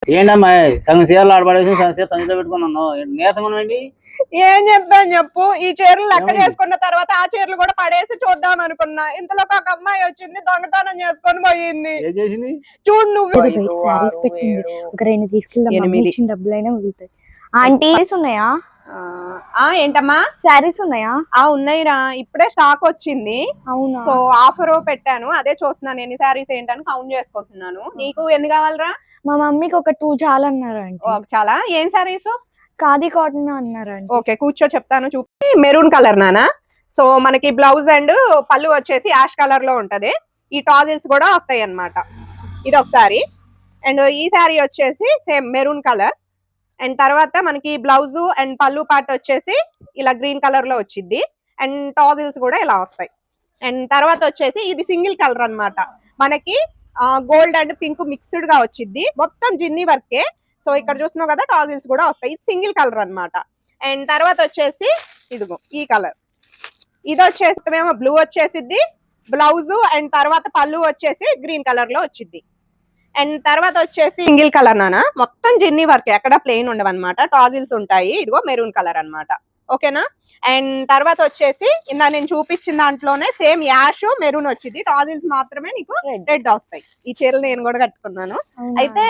ఏంటమ్మా సగం చీరలు ఆడబడేసి సగం చీర సంచిలో పెట్టుకున్నాను నీరసంగా ఏంటి? ఏం చెప్తాను చెప్పు. ఈ చీరలు లెక్క చేసుకున్న తర్వాత ఆ చీరలు కూడా పడేసి చూద్దాం అనుకున్నా. ఇంతలో ఒక అమ్మాయి వచ్చింది, దొంగతనం చేసుకొని పోయింది. ఏం చేసింది చూడు నువ్వు. ఒక 2 తీసుకెళ్దాం, డబ్బులైనా మిగులుతాయి. ఆంటీ ఉన్నాయా? ఏంటమ్మా శారీస్ ఉన్నాయా? ఉన్నాయిరా, ఇప్పుడే స్టాక్ వచ్చింది. అవునా? సో ఆఫర్ పెట్టాను, అదే చూస్తున్నాను ఎన్ని శారీస్ ఏంటని కౌంట్ చేసుకుంటున్నాను. నీకు ఎన్ని కావాలరా? మా మమ్మీకి ఒక 2 చాలా అన్నారు అండి. చాలా. ఏం శారీస్? ఖాదీ కాటన్ అన్నారు అండి. ఓకే కూర్చో, చెప్తాను. చూపి. మెరూన్ కలర్ నానా. సో మనకి బ్లౌజ్ అండ్ పళ్ళు వచ్చేసి యాష్ కలర్ లో ఉంటది. ఈ టాజిల్స్ కూడా వస్తాయి అన్నమాట. ఇది ఒకసారి. అండ్ ఈ శారీ వచ్చేసి సేమ్ మెరూన్ కలర్. అండ్ తర్వాత మనకి బ్లౌజ్ అండ్ పళ్ళు పార్ట్ వచ్చేసి ఇలా గ్రీన్ కలర్ లో వచ్చింది. అండ్ టాజిల్స్ కూడా ఇలా వస్తాయి. అండ్ తర్వాత వచ్చేసి ఇది సింగిల్ కలర్ అన్నమాట. మనకి గోల్డ్ అండ్ పింక్ మిక్స్డ్ గా వచ్చింది. మొత్తం జిన్ని వర్కే. సో ఇక్కడ చూస్తున్నావు కదా, టాజిల్స్ కూడా వస్తాయి. ఇది సింగిల్ కలర్ అన్నమాట. అండ్ తర్వాత వచ్చేసి ఇదిగో ఈ కలర్. ఇది వచ్చేసి మేము బ్లూ వచ్చేసిద్ది. బ్లౌజ్ అండ్ తర్వాత పళ్ళు వచ్చేసి గ్రీన్ కలర్ లో వచ్చింది. అండ్ తర్వాత వచ్చేసి సింగిల్ కలర్ నానా, మొత్తం జిన్ని వర్క్, ఎక్కడ ప్లెయిన్ ఉండవన్నమాట. టాజిల్స్ ఉంటాయి. ఇదిగో మెరూన్ కలర్ అన్నమాట. ఓకేనా? అండ్ తర్వాత వచ్చేసి ఇందా నేను చూపించిన దాంట్లోనే సేమ్ యాష్ మెరూన్ వచ్చింది. టాజిల్స్ మాత్రమే నీకు రెడ్ వస్తాయి. ఈ చీరలు నేను కూడా కట్టుకున్నాను. అయితే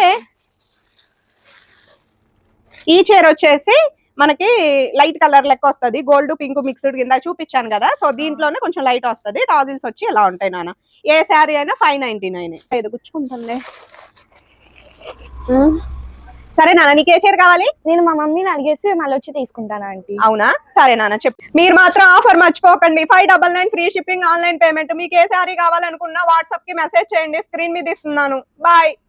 ఈ చీర వచ్చేసి మనకి లైట్ కలర్ లెక్క వస్తుంది. గోల్డ్ పింక్ మిక్స్డ్ కింద చూపించాను కదా. సో దీంట్లోనే కొంచెం లైట్ వస్తుంది. టాజిల్స్ వచ్చి ఎలా ఉంటాయి నాన్న. ఏ శారీ అయినా 599. ఇది గుచ్చుకుంటుంది. సరే నాన్న, నీకే చీర కావాలి? నేను మా మమ్మీని అడిగేసి మళ్ళీ వచ్చి తీసుకుంటాను ఆంటీ. అవునా? సరే నాన్న చెప్పు. మీరు మాత్రం ఆఫర్ మర్చిపోకండి. 599 ఫ్రీ షిప్పింగ్, ఆన్లైన్ పేమెంట్. మీకు ఏ శారీ కావాలనుకున్నా వాట్సాప్ కి మెసేజ్ చేయండి. స్క్రీన్ మీద ఇస్తున్నాను. బాయ్.